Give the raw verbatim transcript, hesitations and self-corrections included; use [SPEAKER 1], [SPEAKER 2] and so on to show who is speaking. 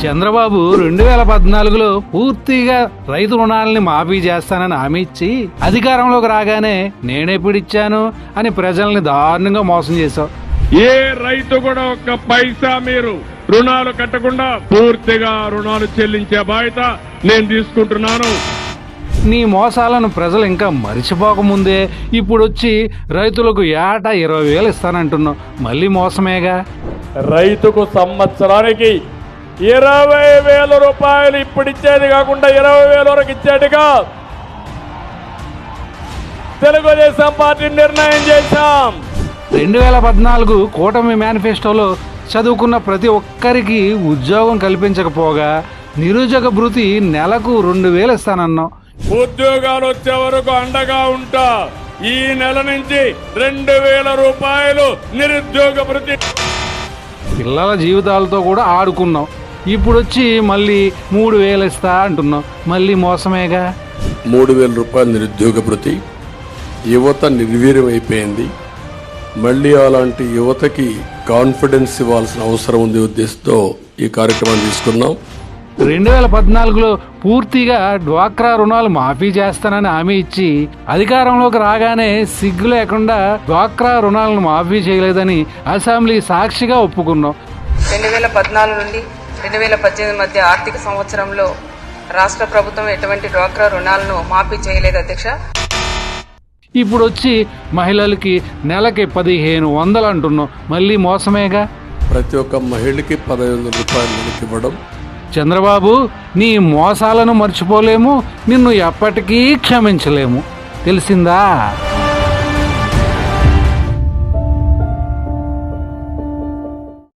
[SPEAKER 1] చంద్రబాబు రెండు వేల పద్నాలుగులో పూర్తిగా రైతు రుణాలని మాఫీ చేస్తానని హామీ ఇచ్చి అధికారంలోకి రాగానే నేనెప్పుడిచ్చాను అని ప్రజల్ని దారుణంగా మోసం చేశావు.
[SPEAKER 2] ఏ రైతు కూడా ఒక్క పైసా మీరు రుణాలు కట్టకుండా పూర్తిగా రుణాలు చెల్లించే బాధ్యత నేను తీసుకుంటున్నాను.
[SPEAKER 1] నీ మోసాలను ప్రజలు ఇంకా మరిచిపోకముందే ఇప్పుడు వచ్చి రైతులకు ఏటా ఇరవై వేలు ఇస్తానంటున్నావు. మళ్ళీ మోసమేగా.
[SPEAKER 3] రైతుకు సంవత్సరానికి ఇరవై వేల రూపాయలు ఇప్పుడు ఇచ్చేది కాకుండా ఇరవై వేల వరకు ఇచ్చేట్టుగా తెలుగుదేశం పార్టీ నిర్ణయం చేశాం.
[SPEAKER 1] రెండు వేల పద్నాలుగు కూటమి మేనిఫెస్టోలో చదువుకున్న ప్రతి ఒక్కరికి ఉద్యోగం కల్పించకపోగా నిరుద్యోగ భృతి నెలకు రెండు వేలు ఇస్తానన్నావు.
[SPEAKER 2] ఉద్యోగాలు వచ్చే వరకు అండగా ఉంటా. ఈ నెల నుంచి రెండు వేల రూపాయలు నిరుద్యోగ భృతి.
[SPEAKER 1] పిల్లల జీవితాలతో కూడా ఆడుకున్నావు. ఇప్పుడు వచ్చి మళ్ళీ మూడు వేలు ఇస్తా అంటున్నావు. మళ్ళీ మోసమేగా.
[SPEAKER 4] మూడు వేల రూపాయల నిరుద్యోగ భృతి యువత నిర్వీర్యం అయిపోయింది. మళ్ళీ అలాంటి యువతకి కాన్ఫిడెన్స్ ఇవ్వాల్సిన అవసరం ఉంది ఉద్దేశంతో ఈ కార్యక్రమాన్ని తీసుకున్నాం.
[SPEAKER 1] రెండు వేల పద్నాలుగులో పూర్తిగా డ్వాక్రా రుణాలు మాఫీ చేస్తానని హామీ ఇచ్చి అధికారంలోకి రాగానే సిగ్గు లేకుండా డ్వాక్రా రుణాలను మాఫీ చేయలేదని అసెంబ్లీ సాక్షిగా ఒప్పుకున్నాం.
[SPEAKER 5] రెండు వేల పద్నాలుగు నుండి రెండు వేల పద్దెనిమిది మధ్య ఆర్థిక సంవత్సరంలో రాష్ట్ర ప్రభుత్వం ఎటువంటి డ్వాక్రా రుణాలను మాఫీ చేయలేదు అధ్యక్ష.
[SPEAKER 1] ఇప్పుడు వచ్చి మహిళలకి నెలకి పదిహేను వందలు అంటున్నాం. మళ్ళీ మోసమేగా.
[SPEAKER 4] ప్రతి ఒక్క మహిళకి పదహైదు వందల రూపాయలు నెలకి ఇవ్వడం.
[SPEAKER 1] చంద్రబాబు, నీ మోసాలను మర్చిపోలేము, నిన్ను ఎప్పటికీ క్షమించలేము. తెలిసిందా?